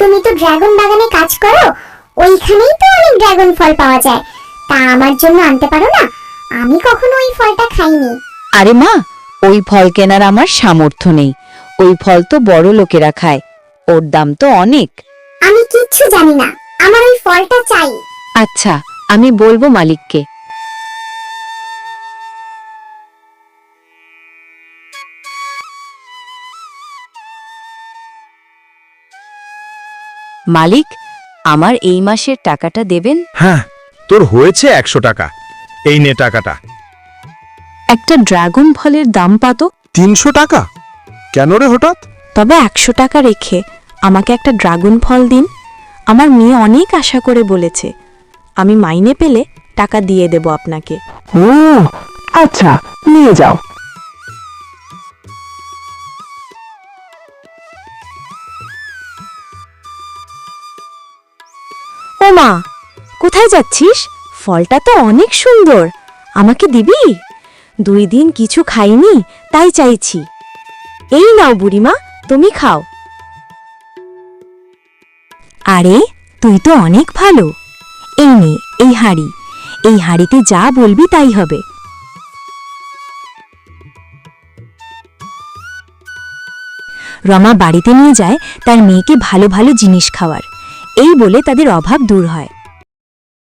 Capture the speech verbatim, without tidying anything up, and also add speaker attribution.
Speaker 1: তুমি তো ড্রাগন বাগানে কাজ করো, ওইখানেই তো অনেক ড্রাগন ফল পাওয়া যায়, তা আমার জন্য আনতে পারো না? আমি কখনো ওই ফলটা খাইনি।
Speaker 2: আরে মা, ওই ফল কেনার আমার সামর্থ্য নেই। ওই ফল তো বড় লোকেরা খায়, ওর দাম তো অনেক।
Speaker 1: আমি কিচ্ছু জানি না, আমার ওই ফলটা চাই।
Speaker 2: আচ্ছা, আমি বলবো মালিককে। মালিক, আমার এই মাসের টাকাটা দেবেন?
Speaker 3: হ্যাঁ, তোর হয়েছে একশো টাকা, এই নে টাকাটা।
Speaker 4: একটা ড্রাগন ফলের দাম পাতো,
Speaker 3: তিনশো টাকা কেন রে হঠাৎ?
Speaker 4: তবে একশো টাকা রেখে আমাকে একটা ড্রাগন ফল দিন। আমার মেয়ে অনেক আশা করে বলেছে, আমি মাইনে পেলে টাকা দিয়ে দেব আপনাকে।
Speaker 5: ও আচ্ছা, নিয়ে যাও।
Speaker 4: ও মা, কোথায় যাচ্ছিস? ফলটা তো অনেক সুন্দর, আমাকে দিবি? দুই দিন কিছু খাইনি, তাই চাইছি। এই নাও বুড়িমা, তুমি খাও। আরে, তুই তো অনেক ভালো। এই নে, এই হাঁড়ি, এই হাঁড়িতে যা বলবি তাই হবে। রমা বাড়িতে নিয়ে যায় তার মেয়েকে ভালো ভালো জিনিস খাওয়ার, এই বলে তাদের অভাব দূর হয়।